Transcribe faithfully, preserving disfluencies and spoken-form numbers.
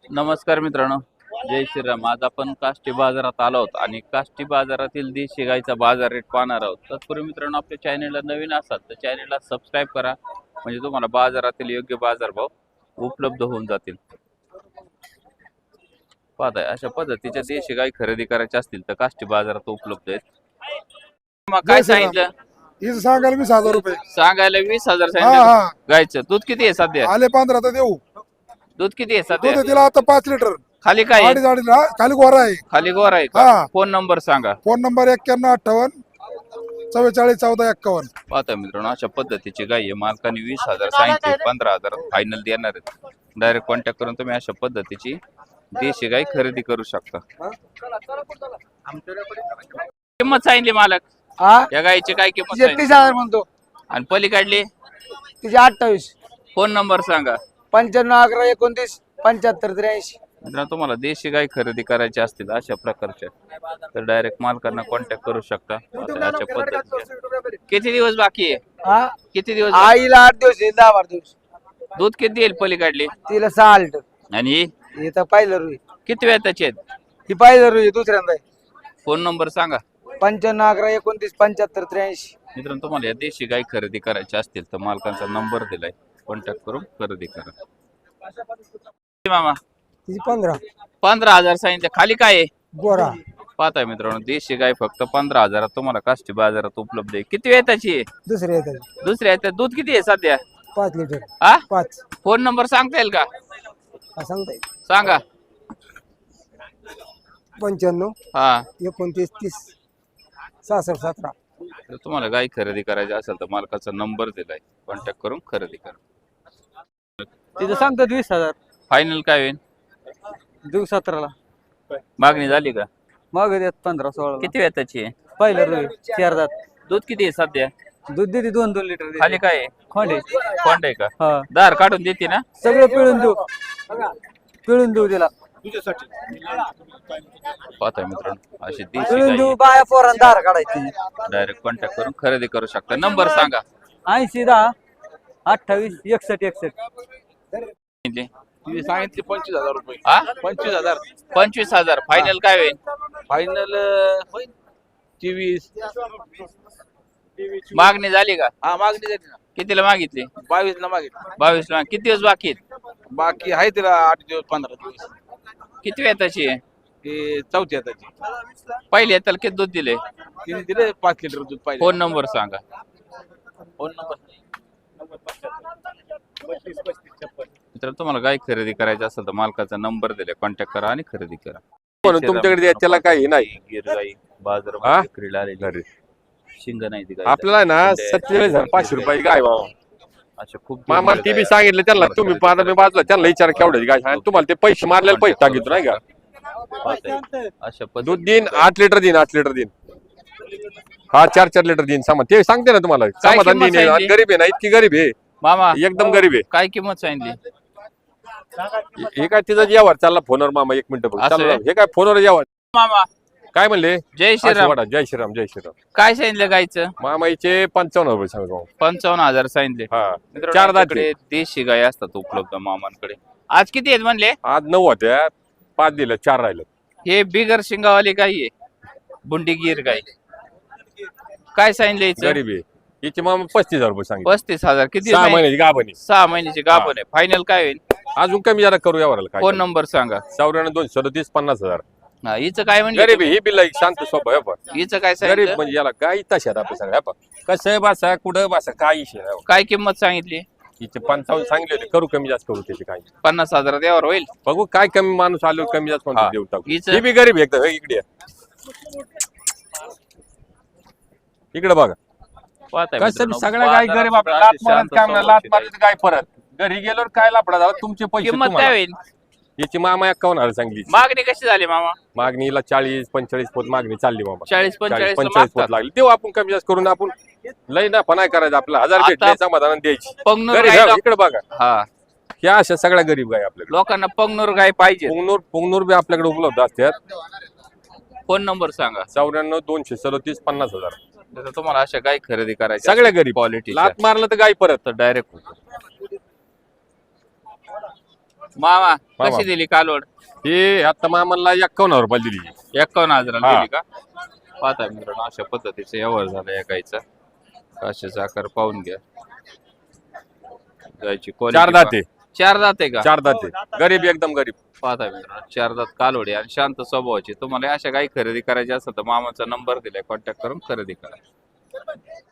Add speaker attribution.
Speaker 1: नमस्कार मित्रांनो, जय श्रीराम. आज आपण काष्टी बाजारात आलो आहोत आणि काष्टी बाजारातील देशी गाईचा बाजार रेट पाहणार आहोत. तत्पूर्वी मित्रांनो, आपल्या चॅनलला नवीन असाल तर चॅनलला सबस्क्राईब करा, म्हणजे तुम्हाला बाजारातील योग्य बाजारभाव उपलब्ध होऊन जातील. पाहताय अशा पद्धतीच्या देशी गाई खरेदी करायच्या असतील तर काष्टी बाजारात उपलब्ध आहेत. मग काय सांगितलं?
Speaker 2: हिचं सांगायला वीस हजार रुपये
Speaker 1: सांगायला वीस हजार
Speaker 2: हा
Speaker 1: सांगितलं.
Speaker 2: हा
Speaker 1: गायचं दूध किती आहे सध्या?
Speaker 2: आले पंधरा तर देऊ.
Speaker 1: दूध किती आहे
Speaker 2: दूध
Speaker 1: सध्या?
Speaker 2: तिला आता पाच लिटर
Speaker 1: खाली काय आहे?
Speaker 2: अडीच अडीच हा, खाली गोरा आहे.
Speaker 1: खाली गोर आहे का?
Speaker 2: हा.
Speaker 1: फोन नंबर सांगा.
Speaker 2: फोन नंबर एक्क्याण्णव अठ्ठावन्न चव्वेचाळीस चौदा एक्कावन्न.
Speaker 1: पाहता मित्रांनो, अशा पद्धतीची गाय आहे. मालकाने वीस हजार सांगितले, पंधरा हजार फायनल देणार आहेत. डायरेक्ट कॉन्टॅक्ट करून तुम्ही अशा पद्धतीची देशी गाय खरेदी करू शकता. किंमत सांगितली मालक
Speaker 3: हा
Speaker 1: या गायची? काय किंमत
Speaker 3: तिचे
Speaker 1: सांगितली?
Speaker 3: तीस हजार म्हणतो.
Speaker 1: आणि पलीकडली
Speaker 3: तिचे अठ्ठावीस.
Speaker 1: फोन नंबर सांगा.
Speaker 3: पंच्याण्णव अकरा एकोणतीस पंच्याहत्तर त्र्याऐंशी.
Speaker 1: मित्रांनो, तुम्हाला देशी गाय खरेदी करायची असतील अशा प्रकारच्या तर डायरेक्ट मालकांना कॉन्टॅक्ट करू शकता. आता अशा पद्धतीचे किती दिवस बाकी आहे?
Speaker 3: हा
Speaker 1: किती दिवस बाकी?
Speaker 3: आईला आठ दिवस आहे, दहा बारा दिवस.
Speaker 1: दूध किती येईल पलीकडली?
Speaker 3: तिला सहा लिटर.
Speaker 1: आणि ही
Speaker 3: हे तर पहिलं रुई.
Speaker 1: किती वेळ त्याचे आहेत?
Speaker 3: ही पहिलं रुई दुसऱ्यांदा आहे.
Speaker 1: फोन नंबर सांगा.
Speaker 3: पंच्याण्णव अकरा एकोणतीस पंच्याहत्तर त्र्याऐंशी.
Speaker 1: मित्रांनो, तुम्हाला या देशी गाय खरेदी करायची असतील तर मालकांचा नंबर दिलाय, कॉन्टॅक्ट करून खरेदी करा. मामा
Speaker 3: तिची पंधरा.
Speaker 1: पंधरा हजार सांगितले. खाली काय आहे?
Speaker 3: गोरा.
Speaker 1: पाहताय मित्रांनो, देशी गाय फक्त पंधरा हजारात तुम्हाला काष्टी बाजारात उपलब्ध आहे. किती वेळ त्याची आहे?
Speaker 3: दुसरे येतात
Speaker 1: दुसऱ्या आहे. दूध किती आहे सध्या?
Speaker 3: पाच लिटर.
Speaker 1: हा
Speaker 3: पाच.
Speaker 1: फोन नंबर सांगता येईल का?
Speaker 3: हा सांगता येईल.
Speaker 1: सांगा.
Speaker 3: पंच्याण्णव
Speaker 1: हा
Speaker 3: एकोणतीस तीस सहासष्ट सतरा.
Speaker 1: जर तुम्हाला गाय खरेदी करायची असेल तर मालकाचा नंबर दिलाय, कॉन्टॅक्ट करून खरेदी करा.
Speaker 3: तिथं सांगतात वीस हजार.
Speaker 1: फायनल काय होईल?
Speaker 3: देऊ सतराला.
Speaker 1: मागणी झाली का?
Speaker 3: मग देत पंधरा सोळा.
Speaker 1: किती वेळ त्याची आहे?
Speaker 3: पहिलं रुई चार दात.
Speaker 1: दूध किती आहे सध्या?
Speaker 3: दूध देते दोन दोन लिटर.
Speaker 1: खाली काय आहे?
Speaker 3: खोंडे.
Speaker 1: कोंड आहे का?
Speaker 3: हा
Speaker 1: दार काढून देते ना?
Speaker 3: सगळं पिळून देऊ. पिळून देऊ तिला.
Speaker 1: पाहताय मित्रांनो, अशी देशी
Speaker 3: पिळून
Speaker 1: गाय
Speaker 3: देऊ. बाया पोरांना दार काढायची.
Speaker 1: डायरेक्ट कॉन्टॅक्ट करून खरेदी करू शकता. नंबर सांगा.
Speaker 3: ऐंशी दहा अठ्ठावीस एकसष्ट एकसष्ट.
Speaker 4: सांगितले पंचवीस हजार रुपये.
Speaker 1: हा
Speaker 4: पंचवीस हजार
Speaker 1: पंचवीस हजार फायनल काय होईल?
Speaker 4: फायनल होईल तेवीस.
Speaker 1: मागणी झाली का?
Speaker 4: हा मागणी झाली ना.
Speaker 1: कितीला मागितली?
Speaker 4: बावीस ला मागितली.
Speaker 1: बावीस ला. किती दिवस बाकी आहेत?
Speaker 4: बाकी आहे तिला आठ दिवस पंधरा दिवस.
Speaker 1: किती वेळ त्याची आहे?
Speaker 4: ते चौथी त्याची.
Speaker 1: पहिले त्याला किती दूध दिले?
Speaker 4: तिने दिले पाच लिटर दूध पाहिजे.
Speaker 1: फोन नंबर सांगा.
Speaker 4: फोन नंबर
Speaker 1: मित्रांनो, तुम्हाला गाय खरेदी करायची असेल तर मालकाचा नंबर दिलाय, कॉन्टॅक्ट करा आणि खरेदी करा.
Speaker 5: म्हणून तुमच्याकडे त्याला काही नाही.
Speaker 1: गिर गाई बाजार
Speaker 5: हा?
Speaker 1: विक्रीला आलेली. शिंग नाही ती गाय.
Speaker 5: आपल्याला ना सत्तेचाळीस हजार पाचशे रुपये गाय बाबा.
Speaker 1: अशा खूप
Speaker 5: मामा ती बी सांगितलं त्यांना, तुम्ही पाहता मी बाजूला त्यांना विचार केवढ्याची गाय सांगा. तुम्हाला ते पैसे मारलेले पैसे टाकितो नाही का?
Speaker 1: पाहताय. अशा
Speaker 5: दूध
Speaker 1: पद्धतीने
Speaker 5: देईन आठ लिटर देईन आठ लिटर देईन. हा चार चार लिटर देईन सामान. ते सांगते ना तुम्हाला. समाधान
Speaker 1: किंमत
Speaker 5: देईन.
Speaker 1: सांगितली?
Speaker 5: गरीब आहे ना, इतकी गरीब आहे,
Speaker 1: मामा
Speaker 5: एकदम गरीब आहे.
Speaker 1: काय किंमत सांगितली?
Speaker 5: हे काय तिचा व्यवहार चालला फोनवर मामा. एक मिनिट बघ
Speaker 1: असं
Speaker 5: चालला.
Speaker 1: आहे?
Speaker 5: हे काय फोनवर व्यवहार
Speaker 1: मामा
Speaker 5: काय म्हणले?
Speaker 1: जय श्रीराम.
Speaker 5: वाडा. जय श्रीराम जय श्रीराम.
Speaker 1: काय सांगितलं गायचं?
Speaker 5: मामाईचे पंचावन्न रुपये सांगतो.
Speaker 1: पंचावन्न हजार सांगितले.
Speaker 5: हा
Speaker 1: मित्रांनो,
Speaker 5: चार दात
Speaker 1: आपल्याकडे देशी गाय असतात उपलब्ध मामांकडे. आज किती आहेत म्हणले?
Speaker 5: आज नऊ होत्या, पाच दिलं, चार राहिलं.
Speaker 1: हे बिगर शिंगावाली गाय आहे, बुंडीगीर गाय. काय सांगितले हिचं?
Speaker 5: गरीब आहे. हिचे मामा पस्तीस हजार रुपये सांगितले.
Speaker 1: पस्तीस हजार. किती
Speaker 5: सहा
Speaker 1: महिने?
Speaker 5: महिन्याची गाभणी.
Speaker 1: सहा महिन्याची गाभण आहे. फायनल काय होईल?
Speaker 5: अजून कमी जरा करू यावर काय.
Speaker 1: फोन नंबर सांगा.
Speaker 5: चौऱ्याण्णव दोनशे सदतीस पन्नास हजार.
Speaker 1: हा, हिचं काय म्हणले?
Speaker 5: गरीब आहे ही बिल शांत स्वभाव आहे पण.
Speaker 1: हिचं काय
Speaker 5: गरीब
Speaker 1: सांगितलं?
Speaker 5: म्हणजे याला काय तशा आपल्या सगळ्या पण कसं बसा कुठं बसा काय इशे नाही.
Speaker 1: काय किंमत सांगितली?
Speaker 5: हिचे पंचावन्न सांगले होते, करू कमी जास्त करू त्याचे काय.
Speaker 1: पन्नास हजार यावर होईल.
Speaker 5: बघू काय कमी माणूस आलो कमी जास्त
Speaker 1: हा.
Speaker 5: म्हणतो देऊ टाकू.
Speaker 1: हिचं?
Speaker 5: ही बी गरीब आहे एकदम. हे इकडे आहे. इकडे बघा
Speaker 1: पाहताय
Speaker 5: कसं
Speaker 1: मित्रांनो,
Speaker 5: सगळ्या गाय
Speaker 1: बाजारात
Speaker 5: गरीब आपल्या
Speaker 1: सुद्धा
Speaker 5: लात
Speaker 1: अशी
Speaker 5: मारत
Speaker 1: शांत
Speaker 5: काय म्हणा, लात
Speaker 1: स्वभावाची गाय.
Speaker 5: मारत काय परत घरी गेल्यावर काय लापडा झाला तुमचे पैसे
Speaker 1: किंमत काय
Speaker 5: तुम्हाला.
Speaker 1: होईल?
Speaker 5: याची मामा एक्कावन्न हजार सांगली.
Speaker 1: मागणी कशी झाली मामा?
Speaker 5: मागणीला चाळीस पंचेचाळीस पोत मागणी चालली मामा.
Speaker 1: चाळीस पंचेचाळीस
Speaker 5: पंचेचाळीस पोत लागली देऊ आपण कमी जास्त करून. आपण लय ना पण करायचं आपलं हजार
Speaker 1: आता
Speaker 5: भेटले समाधान द्यायची.
Speaker 1: पंगनूर
Speaker 5: गरीब
Speaker 1: गाय
Speaker 5: आहे,
Speaker 1: लोक-
Speaker 5: इकडे बघा
Speaker 1: हा,
Speaker 5: ह्या अशा सगळ्या गरीब गाय आपल्याकडे.
Speaker 1: लोकांना पंगनूर गाय पाहिजे.
Speaker 5: पुंगनूर पुंगनूर बी आपल्याकडे उपलब्ध असतात.
Speaker 1: फोन नंबर सांगा.
Speaker 5: चौऱ्याण्णव दोनशे सदतीस पन्नास हजार.
Speaker 1: जर तुम्हाला अशा गाय खरेदी करायच्या
Speaker 5: सगळ्या गरीब
Speaker 1: क्वालिटी
Speaker 5: लात मारलं तर गाय परत.
Speaker 1: तर डायरेक्ट मामा
Speaker 5: मामा.
Speaker 1: कशी दिली कालवड
Speaker 5: हे आता मामाला एक्कावन्न हजार रुपये दिली
Speaker 1: एक्कावन्न हजाराला
Speaker 5: हा.
Speaker 1: दिली का पाहता मित्रांनो अशा पद्धतीचा व्यवहार झाला या गाईचा काशीचा आकार पाहून घ्या गायची quality
Speaker 5: चार दाते
Speaker 1: पहा. चार दाते का
Speaker 5: चार दाते गरीब एकदम गरीब
Speaker 1: पाहता मित्रांनो चार दात कालोडी आणि शांत स्वभावाची तुम्हाला अशा गाई खरेदी करायची असेल तर मामाचा नंबर दिलाय कॉन्टॅक्ट करून खरेदी करा